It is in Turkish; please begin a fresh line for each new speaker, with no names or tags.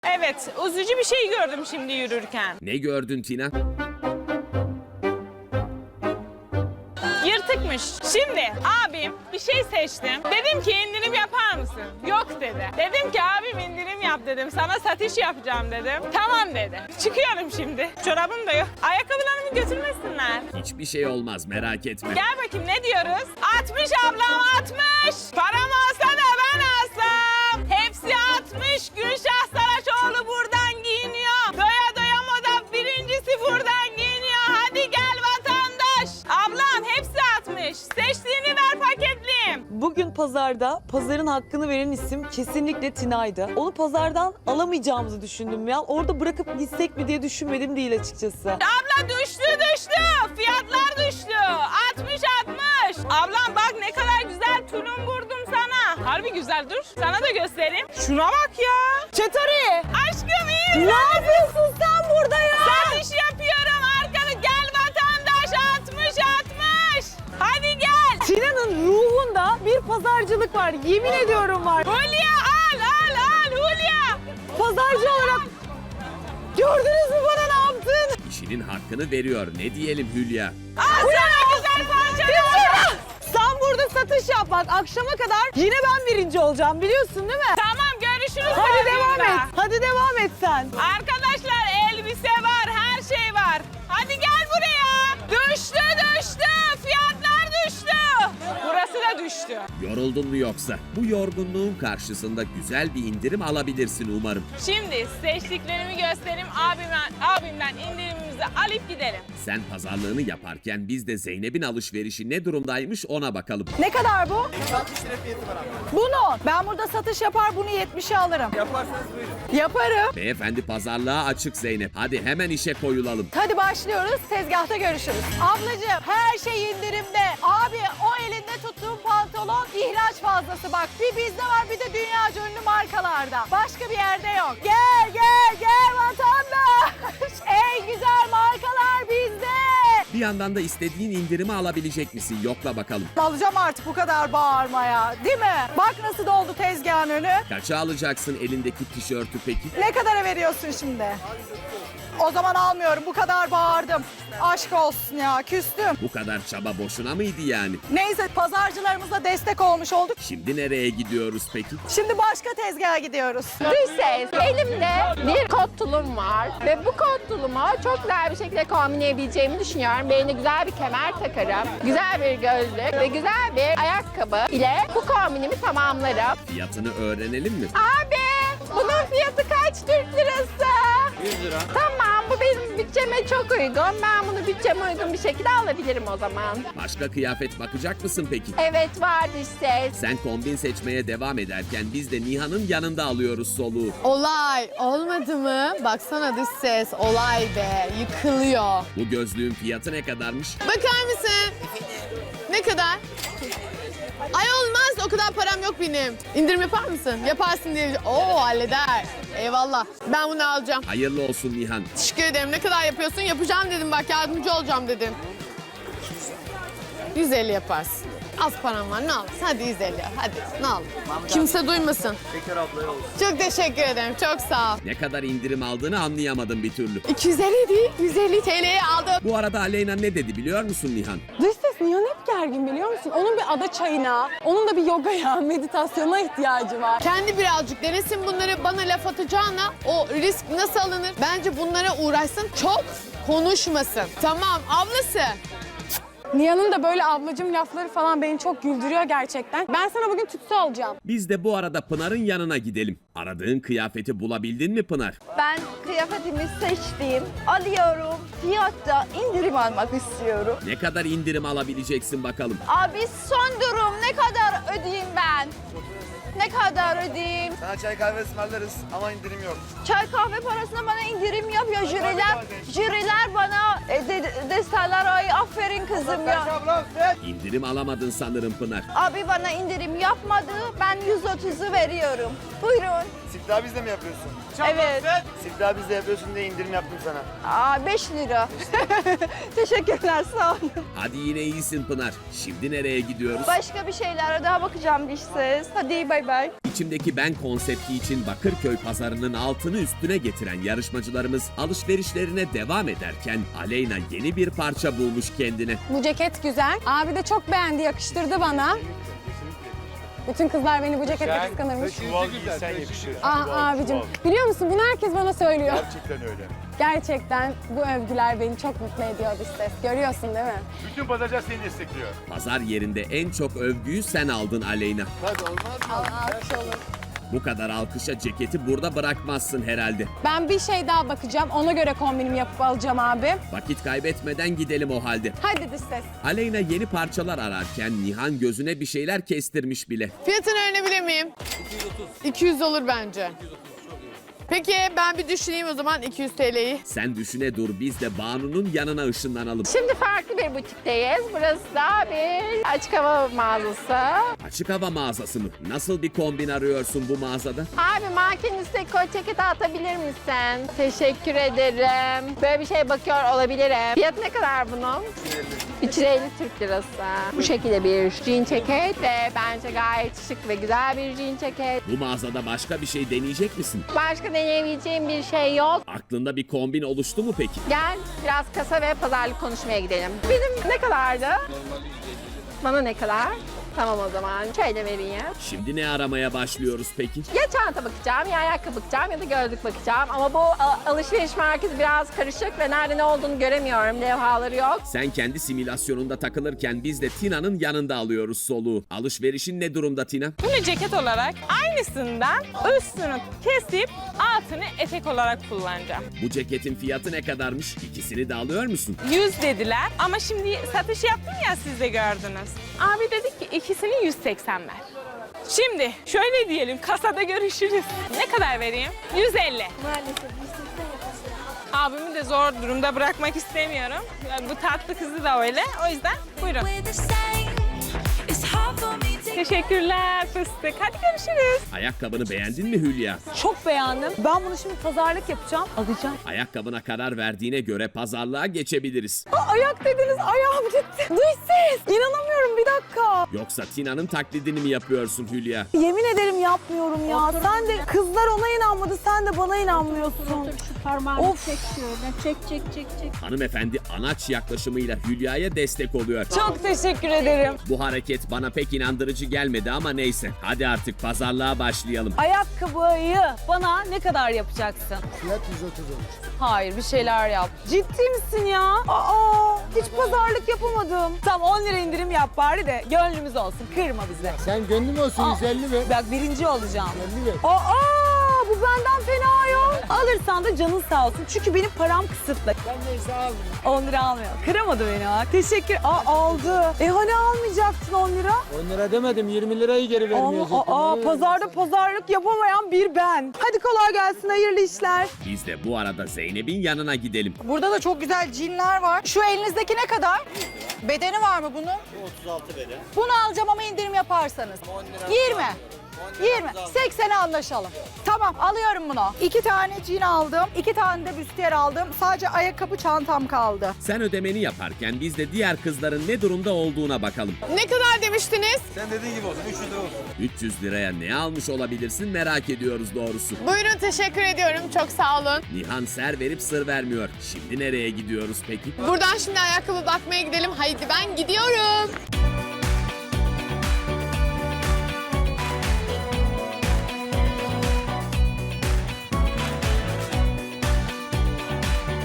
Evet, üzücü bir şey gördüm şimdi yürürken.
Ne gördün Tina?
Yırtıkmış. Şimdi abim bir şey seçtim. Dedim ki indirim yapar mısın? Yok dedi. Dedim ki abim indirim yap dedim. Sana satış yapacağım dedim. Tamam dedi. Çıkıyorum şimdi. Çorabım da yok. Ayakkabılarımı götürmesinler.
Hiçbir şey olmaz, merak etme.
Gel bakayım ne diyoruz? 60 ablam 60. Param olsa da ben alsam. Hepsi 60. Gülşah Saraçoğlu buradan giyiniyor. Doya doya moda birincisi buradan giyiniyor. Hadi gel vatandaş. Ablam hepsi 60. Seçtiğini ver paketliyim.
Bugün pazarda pazarın hakkını veren isim kesinlikle Tina'ydı. Onu pazardan alamayacağımızı düşündüm ya. Orada bırakıp gitsek mi diye düşünmedim değil açıkçası.
Abla düştü. Fiyatlar düştü. 60. Ablam bak ne kadar güzel tulum vurdum sana. Harbi güzel dur. Sana da göstereyim. Şuna bak ya.
Çetari!
Aşkım iyi.
Ne yapıyorsun sen burada ya?
Satış yapıyorum arkanı. Gel vatandaş 60. Hadi gel.
Tina'nın ruhunda bir pazarcılık var. Yemin ediyorum var.
Hulya al Hulya.
Pazarcı olarak gördünüz mü bana ne yaptın?
İşinin hakkını veriyor, ne diyelim Hülya?
Al sana güzel parçalar.
Sen burada satış yap bak akşama kadar yine ben birinci olacağım biliyorsun değil mi?
Tamam görüşürüz.
Hadi devam
podyumda.
et. Hadi devam et sen.
Arkadaşlar elbise var, her şey var. Hadi gel buraya. Düştü. Fiyatlar düştü. Burası da düştü.
Yoruldun mu yoksa? Bu yorgunluğun karşısında güzel bir indirim alabilirsin umarım.
Şimdi seçtiklerimi göstereyim. Abimden indirimimizi alıp gidelim.
Sen pazarlığını yaparken biz de Zeynep'in alışverişi ne durumdaymış ona bakalım.
Ne kadar bu?
60 lira fiyatı var abla.
Bunu. Ben burada satış yapar bunu 70'e alırım.
Yaparsanız buyurun.
Yaparım.
Beyefendi pazarlığa açık Zeynep. Hadi hemen işe koyulalım.
Hadi başlıyoruz. Tezgahta görüşürüz. Ablacığım her şey indirimde. Abi o elinde tuttuğum pantolon ihraç fazlası bak. Bir bizde var bir de dünyaca ünlü markalarda. Başka bir yerde yok. Gel vatandaş. En güzel markalar bizde.
Bir yandan da istediğin indirimi alabilecek misin? Yokla bakalım.
Alacağım artık bu kadar bağırmaya. Değil mi? Bak nasıl doldu tezgahın önü.
Kaça alacaksın elindeki tişörtü peki?
Ne kadara veriyorsun şimdi? O zaman almıyorum. Bu kadar bağırdım. Aşk olsun ya. Küstüm.
Bu kadar çaba boşuna mıydı yani?
Neyse pazarcılarımıza destek olmuş olduk.
Şimdi nereye gidiyoruz peki?
Şimdi başka tezgaha gidiyoruz.
Dış ses. Elimde bir kot tulum var ve bu kot tulumu çok güzel bir şekilde kombinleyebileceğimi düşünüyorum. Beline güzel bir kemer takarım, güzel bir gözlük ve güzel bir ayakkabı ile bu kombinimi tamamlarım.
Fiyatını öğrenelim mi?
Abi bunun fiyatı kaç Türk lirası?
100 lira.
Tamam bu benim bütçeme çok uygun. Ben bunu bütçeme uygun bir şekilde alabilirim o zaman.
Başka kıyafet bakacak mısın peki?
Evet var dış ses.
Sen kombin seçmeye devam ederken biz de Nihan'ın yanında alıyoruz soluğu.
Olay olmadı mı? Baksana dış ses olay be yıkılıyor.
Bu gözlüğün fiyatı ne kadarmış?
Bakar mısın? Ne kadar? Ay olmaz o kadar param yok benim. İndirim yapar mısın? Yaparsın diye. Oo halleder. Eyvallah. Ben bunu alacağım.
Hayırlı olsun Nihan.
Teşekkür ederim. Ne kadar yapıyorsun? Yapacağım dedim bak yardımcı olacağım dedim. 150 yaparsın. Az param var ne alırsın? Hadi 150 hadi ne al. Kimse duymasın.
Bekar ablaya olsun.
Çok teşekkür ederim. Çok sağ ol.
Ne kadar indirim aldığını anlayamadım bir türlü.
250 değil 150 TL'ye aldım.
Bu arada Aleyna ne dedi biliyor musun Nihan?
Dış ses Nihan hep gergin biliyor musun? Onun bir ada çayına, onun da bir yogaya, meditasyona ihtiyacı var.
Kendi birazcık denesin bunları bana laf atacağına o risk nasıl alınır? Bence bunlara uğraşsın çok konuşmasın. Tamam ablası.
Nihan'ın da böyle ablacım lafları falan beni çok güldürüyor gerçekten. Ben sana bugün tütsü alacağım.
Biz de bu arada Pınar'ın yanına gidelim. Aradığın kıyafeti bulabildin mi Pınar?
Ben kıyafetimi seçtim, alıyorum. Fiyatta indirim almak istiyorum.
Ne kadar indirim alabileceksin bakalım.
Abi son durum ne kadar ödeyeyim ben? Ne kadar ödeyeyim?
Sana çay kahve ısmarlarız ama indirim yok.
Çay kahve parasına bana indirim yapıyor jüriler. Jüriler bana deseler ay aferin kızım ya.
Ablam
İndirim alamadın sanırım Pınar.
Abi bana indirim yapmadı, ben 130'u veriyorum. Buyurun.
siftah bizde mi yapıyorsun?
Evet.
Siftah bizde yapıyorsun diye indirim yaptım sana.
Aa 5 lira. Teşekkürler sağ olun.
Hadi yine iyisin Pınar. Şimdi nereye gidiyoruz?
Başka bir şeylere daha bakacağım diş ses. Hadi bay bay.
İçimdeki ben konsepti için Bakırköy pazarının altını üstüne getiren yarışmacılarımız alışverişlerine devam ederken Aleyna yeni bir parça bulmuş kendine.
Bu ceket güzel. Abi de çok beğendi, yakıştırdı bana. Bütün kızlar beni bu cekette kıskanırmış.
Çuval giysen yakışır.
Ah abicim, biliyor musun bunu herkes bana söylüyor.
Gerçekten öyle.
Gerçekten bu övgüler beni çok mutlu ediyor dış ses. Görüyorsun değil mi?
Bütün pazarcılar seni destekliyor.
Pazar yerinde en çok övgüyü sen aldın Aleyna.
Hadi olmaz mı?
Alkış olur.
Bu kadar alkışa ceketi burada bırakmazsın herhalde.
Ben bir şey daha bakacağım. Ona göre kombinimi yapıp alacağım abi.
Vakit kaybetmeden gidelim o halde.
Hadi dış ses.
Aleyna yeni parçalar ararken Nihan gözüne bir şeyler kestirmiş bile.
Fiyatını öğrenebilir miyim? 200 olur bence. Peki ben bir düşüneyim o zaman 200 TL'yi.
Sen düşüne dur, biz de Banu'nun yanına ışınlanalım.
Şimdi farklı bir butikteyiz. Burası da bir açık hava mağazası.
Açık hava mağazası mı? Nasıl bir kombin arıyorsun bu mağazada?
Abi mankenin üstüne kot ceketi atabilir misin? Teşekkür ederim. Böyle bir şeye bakıyor olabilirim. Fiyat ne kadar bunun? 350 Türk lirası. Bu şekilde bir jean ceket ve bence gayet şık ve güzel bir jean ceket.
Bu mağazada başka bir şey deneyecek misin?
Başka deneyebileceğim bir şey yok.
Aklında bir kombin oluştu mu peki?
Gel biraz kasa ve pazarlık konuşmaya gidelim. Benim ne kadardı? Bana ne kadar? Tamam o zaman. Şöyle vereyim.
Şimdi ne aramaya başlıyoruz peki?
Ya çanta bakacağım, ya ayakkabı bakacağım ya da gözlük bakacağım. Ama bu alışveriş merkezi biraz karışık ve nerede ne olduğunu göremiyorum. Levhaları yok.
Sen kendi simülasyonunda takılırken biz de Tina'nın yanında alıyoruz soluğu. Alışverişin ne durumda Tina?
Bunu ceket olarak aynısından üstünü kesip altını etek olarak kullanacağım.
Bu ceketin fiyatı ne kadarmış? İkisini de alıyor musun?
100 dediler ama şimdi satış yaptım ya siz de gördünüz. Abi dedi ki ikisini 180 ver. Şimdi şöyle diyelim kasada görüşürüz. Ne kadar vereyim? 150.
Maalesef
Abimi de zor durumda bırakmak istemiyorum. Yani bu tatlı kızı da öyle. O yüzden buyurun. Teşekkürler fıstık. Hadi görüşürüz.
Ayakkabını beğendin mi Hülya?
Çok beğendim. Ben bunu şimdi pazarlık yapacağım. Alacağım.
Ayakkabına karar verdiğine göre pazarlığa geçebiliriz.
Ayak dediniz, ayağım gitti. Dış ses. İnanamıyorum, bir dakika.
Yoksa Tina'nın taklidini mi yapıyorsun Hülya?
Yemin ederim yapmıyorum ya. Sen de kızlar ona inanmadı, sen de bana inanmıyorsun.
parmağını
Of.
çek şöyle. Çek.
Hanımefendi anaç yaklaşımıyla Hülya'ya destek oluyor.
Çok teşekkür ederim.
Bu hareket bana pek inandırıcı gelmedi ama neyse. Hadi artık pazarlığa başlayalım.
Ayakkabıyı bana ne kadar yapacaksın?
Fiyat 130 olmuş.
Hayır, bir şeyler yap. Ciddi misin ya? Aa, hiç pazarlık yapamadım. Tamam, 10 lira indirim yap bari de gönlümüz olsun. Kırma bizi.
Sen gönlüm olsun 150 ver.
Bak birinci olacağım.
50 ver.
Aa, bu benden fena yok. Alırsan da canın sağ olsun. Çünkü benim param kısıtlı.
Ben neyse aldım.
10 lira almıyor. Kıramadı beni ha. Teşekkür. Aldı. Hani almayacaktın 10 lira?
10 lira demedim 20 lirayı geri vermiyorsun.
Pazarda pazarlık yapamayan bir ben. Hadi kolay gelsin, hayırlı işler.
Biz de bu arada Zeynep'in yanına gidelim.
Burada da çok güzel cinler var. Şu elinizdeki ne kadar? Bedeni var mı bunun?
36 beden.
Bunu alacağım ama indirim yaparsanız. 20. 20. 80'e anlaşalım. Tamam alıyorum bunu. 2 tane cin aldım. 2 tane de büstiyer aldım. Sadece ayakkabı çantam kaldı.
Sen ödemeni yaparken biz de diğer kızların ne durumda olduğuna bakalım.
Ne kadar demiştiniz?
Sen dediğin gibi olsun 300 lira olsun.
300 liraya ne almış olabilirsin merak ediyoruz doğrusu.
Buyurun teşekkür ediyorum. Çok sağ olun.
Nihan ser verip sır vermiyor. Şimdi nereye gidiyoruz peki?
Buradan şimdi ayakkabı bakmaya gidelim. Haydi ben gidiyorum.